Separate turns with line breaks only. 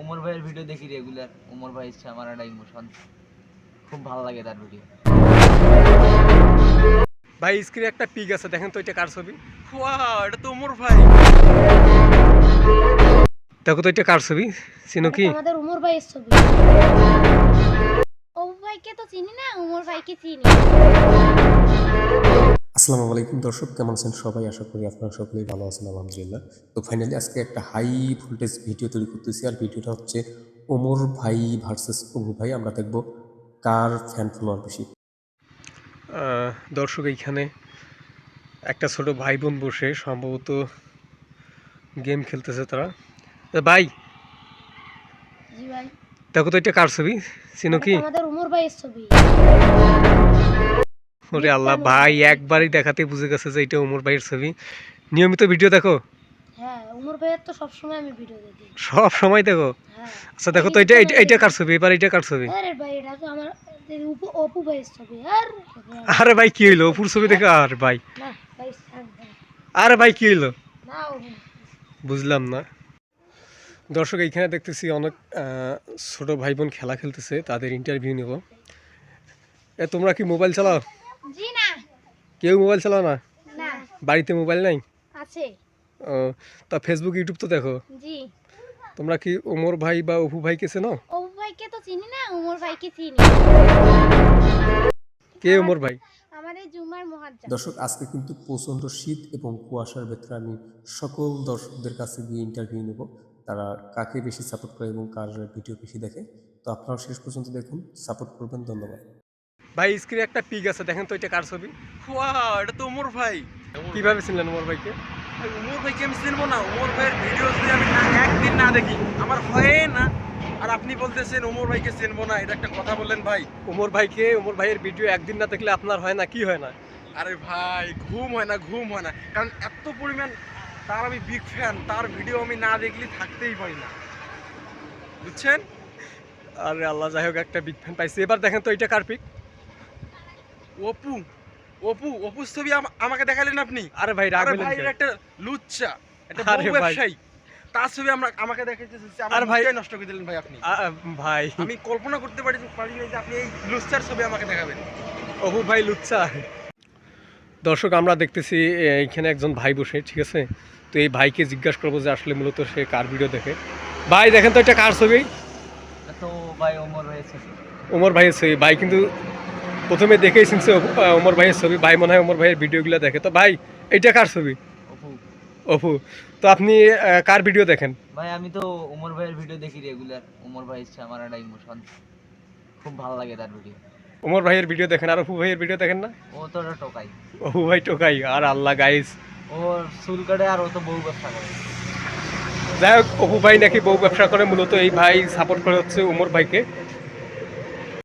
উমর ভাইয়ের ভিডিও দেখি রেগুলার। উমর ভাই হচ্ছে আমার একটা ইমোশন, খুব ভালো লাগে তার ভিডিও।
ভাই স্ক্রিনে একটা পিক আছে, দেখেন তো এটা কার ছবি?
ওয়াও, এটা তো উমর ভাই।
দেখো তো এটা কার ছবি, চিনো কি?
আমাদের উমর ভাইয়ের ছবি। ওমর ভাইকে তো চিনি না, উমর ভাইকে চিনি।
আসসালামু আলাইকুম দর্শক, কেমন আছেন সবাই? আশা করি আপনারা সকলেই ভালো আছেন, আলহামদুলিল্লাহ। তো ফাইনালি আজকে একটা হাই ভোল্টেজ ভিডিও তৈরি করতেছি, আর ভিডিওটা হচ্ছে ওমর ভাই ভার্সেস অপু ভাই। আমরা দেখব কার ফ্যান ফলোয়ার বেশি।
দর্শক, এইখানে একটা ছোট ভাই বোন বসে সম্ভবত গেম খেলতেছে তারা। ভাই
জি ভাই।
দেখো তো এটা কার ছবি, চিনো কি?
আমাদের উমর ভাইয়ের ছবি।
ওরে আল্লাহ, ভাই একবারই দেখাতে বুঝে গেছে যে এটা উমর ভাইয়ের ছবি। নিয়মিত ভিডিও দেখো?
হ্যাঁ, উমর ভাইয়ের তো সবসময় আমি ভিডিও দেখি।
সব সময় দেখো?
হ্যাঁ।
আচ্ছা দেখো তো এটা কার ছবি, এবার এটা কার ছবি?
আরে ভাই, এটা তো আমার অপু ভাইয়ের ছবি।
আরে ভাই কি হইলো, অপুর ছবি দেখে? আর ভাই,
না ভাই, ছাড় ভাই।
আরে ভাই কি হইলো,
না অপু।
বুঝলাম না। দর্শক, এইখানে দেখতেছি অনেক ছোট ভাই বোন খেলা খেলতেছে, তাদের ইন্টারভিউ নেব। তোমরা কি মোবাইল চালাও?
জি না।
কেউ মোবাইল চালাও না?
না।
বাড়িতে মোবাইল নাই?
আছে।
ও, তা ফেসবুক ইউটিউব তো দেখো।
জি।
তোমরা কি ওমর ভাই বা অপু ভাইকে চেনো?
অপু ভাইকে তো চিনি না, উমর ভাইকে চিনি।
কে ওমর ভাই?
আমাদের জুমার মুহাজ্জম।
দর্শক, আজকে কিন্তু প্রচণ্ড শীত এবং কুয়াশার ভেতরে আমি সকল দর্শকদের কাছে গিয়ে ইন্টারভিউ নেব, তারা কাকে বেশি সাপোর্ট করে এবং কার ভিডিও বেশি দেখে। তো আপনারা শেষ পর্যন্ত দেখুন, সাপোর্ট করবেন। ধন্যবাদ।
ভাই স্ক্রিনে একটা পিক আছে, দেখেন তো এটা কার ছবি?
ওয়াও, এটা তো উমর ভাই।
কিভাবে চিনলেন ওমর ভাইকে?
ভাই, উমর ভাইকে আমি চিনবো না? উমর ভাইয়ের ভিডিও যদি আমি একদিন না দেখি আমার হয় না। আর আপনি বলতেছেন উমর ভাইকে চিনবো না, এটা একটা কথা বললেন ভাই।
ওমর ভাইয়ের ভিডিও একদিন না দেখলে আপনার হয় না? কি হয় না?
আরে ভাই, ঘুম হয় না, কারণ এত পরিমাণ তার আমি বিগ ফ্যান, তার ভিডিও আমি না দেখলে থাকতেই পারি না, বুঝছেন?
আরে আল্লাহ, যাই হোক, একটা বিগ ফ্যান পাইছি। এবার দেখেন তো এটা কার পিক?
অপু অপুর ছবি আমাকে দেখালেন আপনি?
আরে ভাই রাগ
আরে
হইলেন
ভাই,
কেন?
এটা একটা লুচ্চা, একটা
আরে
বউ
ভাই।
ব্যবসায়ী, তার ছবি আমাকে দেখাইতেছেন।
আরে
আমার
ভাই।
ভাই নষ্ট করে দিলেন ভাই আপনি।
ভাই,
আমি কল্পনা করতে পারি না যে আপনি এই লুচ্চার ছবি আমাকে দেখাবেন।
অপু ভাই লুচ্চা। দর্শক, আমরা দেখতেছি এইখানে একজন ভাই বসে, ঠিক আছে? তো এই ভাইকে জিজ্ঞাসা করবো যে আসলে মূলত সে কার ভিডিও দেখে। ভাই দেখেন তো এটা কার ছবি?
এটা তো ভাই ওমর ভাইয়ের ছবি।
ওমর ভাইয়ের ছবি। ভাই কিন্তু প্রথমে দেখেই চিনছে ওমর ভাইয়ের ছবি। ভাই মনে হয় ওমর ভাইয়ের ভিডিওগুলো দেখে। তো ভাই, এইটা কার ছবি?
অপু।
অপু। তো আপনি কার ভিডিও দেখেন?
ভাই আমি তো উমর ভাইয়ের ভিডিও দেখি রেগুলার। উমর ভাই হচ্ছে আমার একটা ইমোশন, খুব ভালো লাগে তার ভিডিও।
ওমর ভাইয়ের ভিডিও দেখেন, আর অপু ভাইয়ের ভিডিও দেখেন না?
ও তো একটা টোকাই,
অপু ভাই টোকাই। আর আল্লাহ গাইস,
ওর চুল কাটে আর ও তো বউ ব্যবসা করে।
যাই হোক, অপু ভাই নাকি বউ ব্যবসা করে। মূলত এই ভাই সাপোর্ট করে হচ্ছে ওমর ভাইকে।